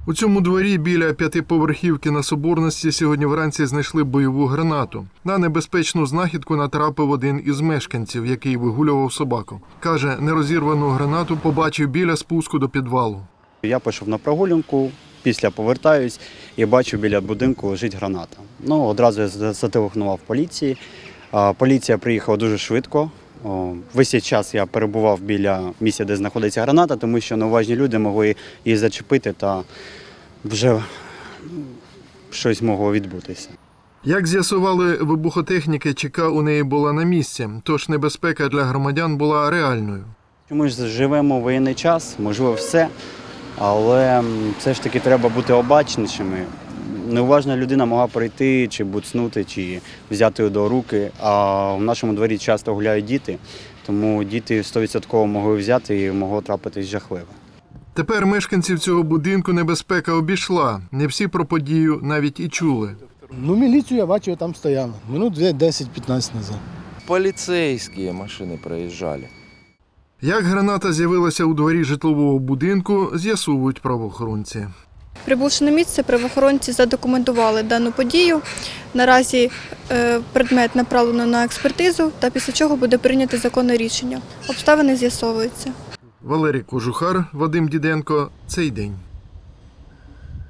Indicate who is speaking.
Speaker 1: У цьому дворі біля п'ятиповерхівки на Соборності сьогодні вранці знайшли бойову гранату. На небезпечну знахідку натрапив один із мешканців, який вигулював собаку. Каже, нерозірвану гранату побачив біля спуску до підвалу.
Speaker 2: Я пішов на прогулянку, після повертаюсь і бачу, біля будинку лежить граната. Одразу я зателефонував поліції. Поліція приїхала дуже швидко. Весь цей час я перебував біля місця, де знаходиться граната, тому що неуважні люди могли її зачепити та вже щось могло відбутися.
Speaker 1: Як з'ясували вибухотехніки, ЧК у неї була на місці, тож небезпека для громадян була реальною.
Speaker 2: Ми ж живемо в воєнний час, можливо все, але все ж таки треба бути обачнішими. Неуважна людина могла прийти, чи буцнути, чи взяти до руки, а в нашому дворі часто гуляють діти, тому діти 100% могли взяти і могло трапитись жахливо.
Speaker 1: Тепер мешканців цього будинку небезпека обійшла. Не всі про подію навіть і чули.
Speaker 3: Міліцію я бачив, там стояла. Минут 10-15 назад.
Speaker 4: Полицейские машины проезжали.
Speaker 1: Як граната з'явилася у дворі житлового будинку, з'ясовують правоохоронці.
Speaker 5: Прибувши на місце, правоохоронці задокументували дану подію. Наразі предмет направлено на експертизу, та після чого буде прийнято законне рішення. Обставини з'ясовуються.
Speaker 1: Валерій Кожухар, Вадим Діденко. Цей день.